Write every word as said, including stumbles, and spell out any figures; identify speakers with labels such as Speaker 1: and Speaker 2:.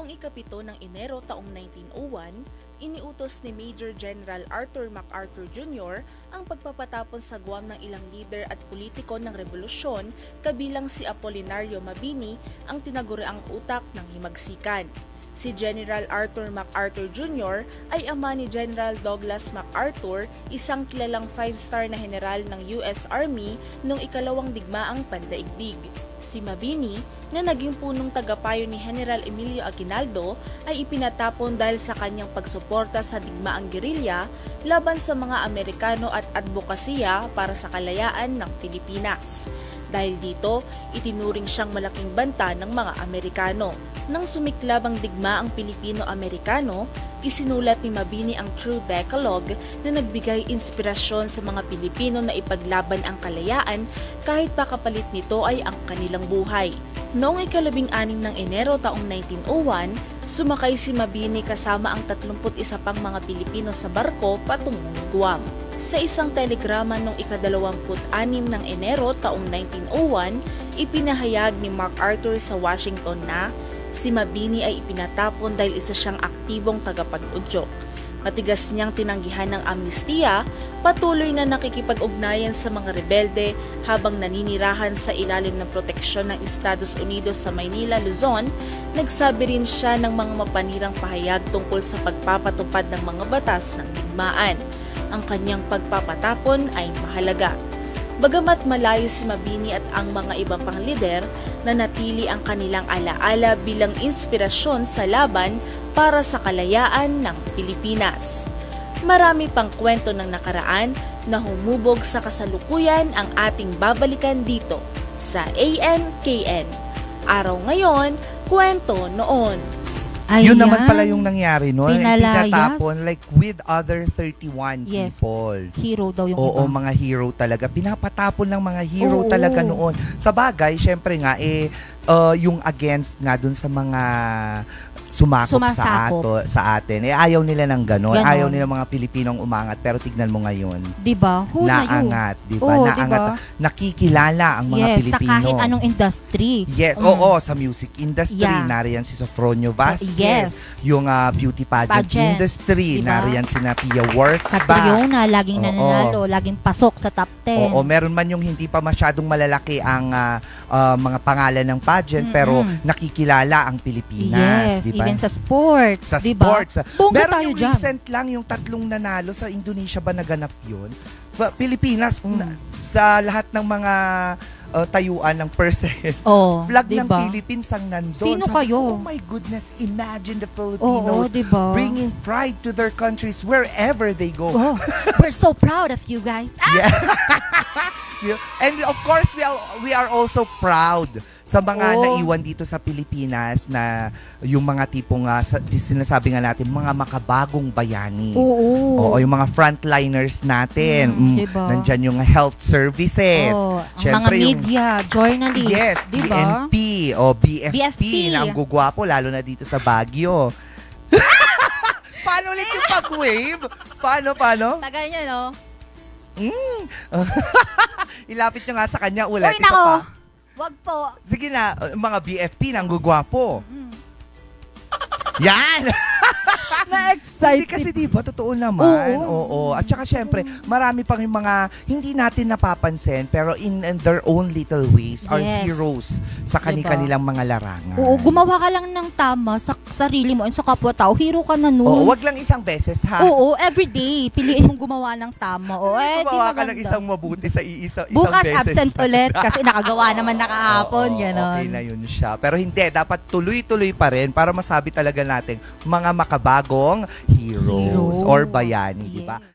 Speaker 1: Noong ikapito ng Enero taong nineteen oh one, iniutos ni Major General Arthur MacArthur Junior ang pagpapatapon sa Guam ng ilang lider at politiko ng revolusyon kabilang si Apolinario Mabini ang tinaguriang utak ng himagsikan. Si General Arthur MacArthur Junior ay ama ni General Douglas MacArthur, isang kilalang five-star na general ng U S Army noong ikalawang digmaang pandaigdig. Si Mabini, na naging punong tagapayo ni General Emilio Aguinaldo, ay ipinatapon dahil sa kanyang pagsuporta sa digmaang gerilya laban sa mga Amerikano at advokasya para sa kalayaan ng Pilipinas. Dahil dito, itinuring siyang malaking banta ng mga Amerikano. Nang sumiklab ang digmaang Pilipino-Amerikano, isinulat ni Mabini ang True Decalogue na nagbigay inspirasyon sa mga Pilipino na ipaglaban ang kalayaan kahit pa kapalit nito ay ang kanilang buhay. Noong ikalabing anim ng Enero taong nineteen oh one, sumakay si Mabini kasama ang tatlumput isa pang mga Pilipino sa barko patungong Guam. Sa isang telegrama noong ikadalawamput anim ng Enero taong nineteen oh one, ipinahayag ni MacArthur sa Washington na si Mabini ay ipinatapon dahil isa siyang aktibong tagapag-udyok. Matigas niyang tinanggihan ng amnestiya, patuloy na nakikipag-ugnayan sa mga rebelde habang naninirahan sa ilalim ng proteksyon ng Estados Unidos sa Maynila, Luzon. Nagsabi rin siya ng mga mapanirang pahayag tungkol sa pagpapatupad ng mga batas ng digmaan. Ang kanyang pagpapatapon ay mahalaga. Bagamat malayo si Mabini at ang mga iba pang lider, nanatili ang kanilang alaala bilang inspirasyon sa laban para sa kalayaan ng Pilipinas. Marami pang kwento ng nakaraan na humubog sa kasalukuyan ang ating babalikan dito sa A N K N. Araw ngayon, kwento noon.
Speaker 2: Ayan.
Speaker 3: Yun naman pala yung nangyari noon.
Speaker 2: Pinalayas.
Speaker 3: Pinatapon like with other thirty-one
Speaker 2: Yes.
Speaker 3: people.
Speaker 2: Hero daw yung
Speaker 3: Oo,
Speaker 2: iba.
Speaker 3: mga hero talaga. Pinapatapon ng mga hero
Speaker 2: Oo.
Speaker 3: talaga noon. Sa bagay, syempre nga, eh, uh, yung against nga dun sa mga sumakop sa,
Speaker 2: Sumasakop.
Speaker 3: ato, sa atin. Eh, ayaw nila ng ganon.
Speaker 2: Ganon.
Speaker 3: Ayaw nila mga Pilipinong umangat. Pero tignan mo ngayon.
Speaker 2: Diba? Who na yun?
Speaker 3: Naangat, di ba?
Speaker 2: Oo,
Speaker 3: Naangat.
Speaker 2: diba?
Speaker 3: Nakikilala ang mga
Speaker 2: Yes,
Speaker 3: Pilipino.
Speaker 2: sa kahit anong industry.
Speaker 3: Yes,
Speaker 2: Mm.
Speaker 3: oo, sa music industry,
Speaker 2: Yeah.
Speaker 3: nariyan si Sofronio Vasquez.
Speaker 2: Yes.
Speaker 3: Yung ah, beauty pageant,
Speaker 2: Pageant.
Speaker 3: industry,
Speaker 2: Diba?
Speaker 3: nariyan si Pia Wurtzbach.
Speaker 2: Catriona, laging
Speaker 3: Oo.
Speaker 2: nananalo, laging pasok sa top ten.
Speaker 3: Oo, meron man yung hindi pa masyadong malalaki ang ah, ah, mga pangalan ng pageant,
Speaker 2: Mm-mm.
Speaker 3: pero nakikilala ang Pilipinas,
Speaker 2: Yes,
Speaker 3: di ba?
Speaker 2: even sa sports.
Speaker 3: Sa
Speaker 2: diba?
Speaker 3: sports.
Speaker 2: Bongga
Speaker 3: Meron
Speaker 2: tayo
Speaker 3: yung
Speaker 2: dyan.
Speaker 3: recent lang, yung tatlong nanalo sa Indonesia ba naganap yun? Ba- Pilipinas,
Speaker 2: Mm.
Speaker 3: na- sa lahat ng mga uh, tayuan ng percent,
Speaker 2: Oh,
Speaker 3: flag ng
Speaker 2: diba?
Speaker 3: Philippines ang nandun.
Speaker 2: Sino
Speaker 3: Sabi ko,
Speaker 2: kayo?
Speaker 3: oh my goodness, imagine the
Speaker 2: Oo,
Speaker 3: Filipinos
Speaker 2: diba?
Speaker 3: bringing pride to their countries wherever they go.
Speaker 2: Oh, we're so proud of you guys. Ah!
Speaker 3: Yeah. Yeah. And of course, we are, we are also proud sa mga
Speaker 2: Oo.
Speaker 3: naiwan dito sa Pilipinas na yung mga tipong uh, sa, sinasabi nga natin, mga makabagong bayani.
Speaker 2: Oo.
Speaker 3: Oo, yung mga frontliners natin.
Speaker 2: Mm,
Speaker 3: Mm,
Speaker 2: diba?
Speaker 3: Nandyan yung health services.
Speaker 2: Oh, ang mga
Speaker 3: Syempre, yung-
Speaker 2: media, journalists,
Speaker 3: Yes,
Speaker 2: diba?
Speaker 3: B N P o B F P,
Speaker 2: B F P.
Speaker 3: na ang gugwapo, lalo na dito sa Baguio. Paano ulit yung pag-wave? Paano, paano?
Speaker 2: Tagal niya, no?
Speaker 3: Mm. Ilapit nyo nga sa kanya ulit.
Speaker 2: Uy,
Speaker 3: Isa
Speaker 2: nako.
Speaker 3: pa.
Speaker 2: Wag po.
Speaker 3: Sige na, uh, mga B F P na ang gugwapo.
Speaker 2: Mm.
Speaker 3: Yan!
Speaker 2: Na-excite.
Speaker 3: Hindi kasi di ba, totoo naman.
Speaker 2: Oo.
Speaker 3: Oo. At saka syempre, marami pang yung mga hindi natin napapansin pero in, in their own little ways are
Speaker 2: Yes.
Speaker 3: heroes sa kani-kanilang mga larangan.
Speaker 2: Oo, gumawa ka lang ng tama sa sarili mo and sa kapwa-tao. Hero ka na nun.
Speaker 3: Oo, wag lang isang beses ha.
Speaker 2: Oo, everyday. Piliin mong gumawa ng tama. Oo, eh, di
Speaker 3: Gumawa ka
Speaker 2: maganda.
Speaker 3: ng isang mabuti sa iisa, isang
Speaker 2: Bukas
Speaker 3: beses.
Speaker 2: absent ulit kasi nakagawa naman nakahapon.
Speaker 3: Oo,
Speaker 2: Ganon.
Speaker 3: okay na yun siya. Pero hindi, dapat tuloy-tuloy pa rin para masabi talaga natin mga makabagong heroes,
Speaker 2: Hero.
Speaker 3: or bayani, di ba?
Speaker 2: Yes.